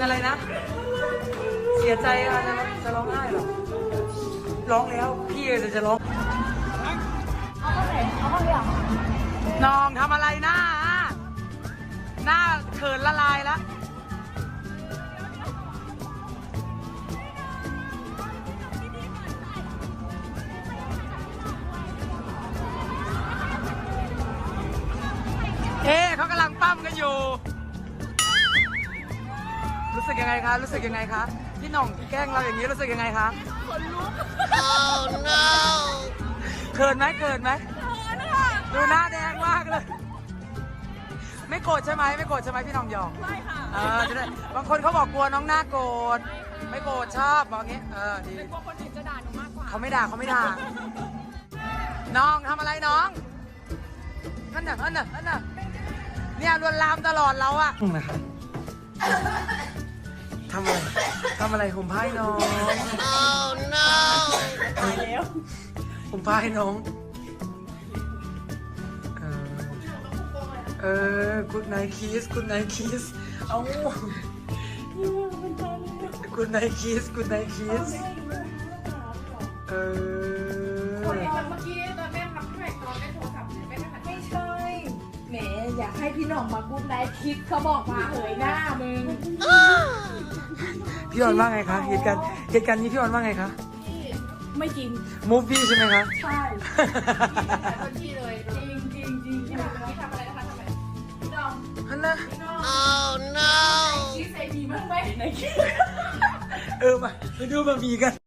อะไรนะเสียใจอะจะร้องไห้เหรอร้องแล้วพี่จะร้องเอาเข้าไหนเอาเข้าเรียงน้องทำอะไรหน้าเขินละลายแล้วเขากำลังปั้มกันอยู่รู้สึกยังไงคะรู้สึกยังไงคะพี่หน่องแกล้งเราอย่างนี้รู้สึกยังไงคะขนลุก Oh no เขินไหมเขินไหมดูหน้าแดงมากเลยไม่โกรธใช่ไหมไม่โกรธใช่ไหมพี่หน่องหยองไม่ค่ะจะได้บางคนเขาบอกกลัวน้องหน้าโกรธไม่โกรธชอบบอกงี้ดีกลัวคนอื่นจะด่าหนูมากกว่าเขาไม่ด่าน้องทำอะไรน้องนั่นน่ะเนี่ยลวนลามตลอดเราอะนะคะทำอะไรห่มผ้าให้น้อง Oh no ตายแล้วห่มผ้าให้น้องgood night kiss เอา good night kiss คนเมื่อกี้ตอนแม่ทำให้ตอนแม่โทรศัพท์แม่ก็ไม่ใช่แหมอยากให้พี่หน่องมากู๊ดไนท์คิดเขาบอกมาเหยหน้ามึงพี่ออนว่าไงคะเหตุการณ์นี้พี่ออนว่าไงคะไม่จริงมูฟวี่ใช่ไหมคะใช่คนที่เลยจริงที่ทำอะไรนะคะทำไมพี่หน่องฮันนะ Oh no คิดใส่ดีมากไหมไหนคิดมาดูบะหมี่กัน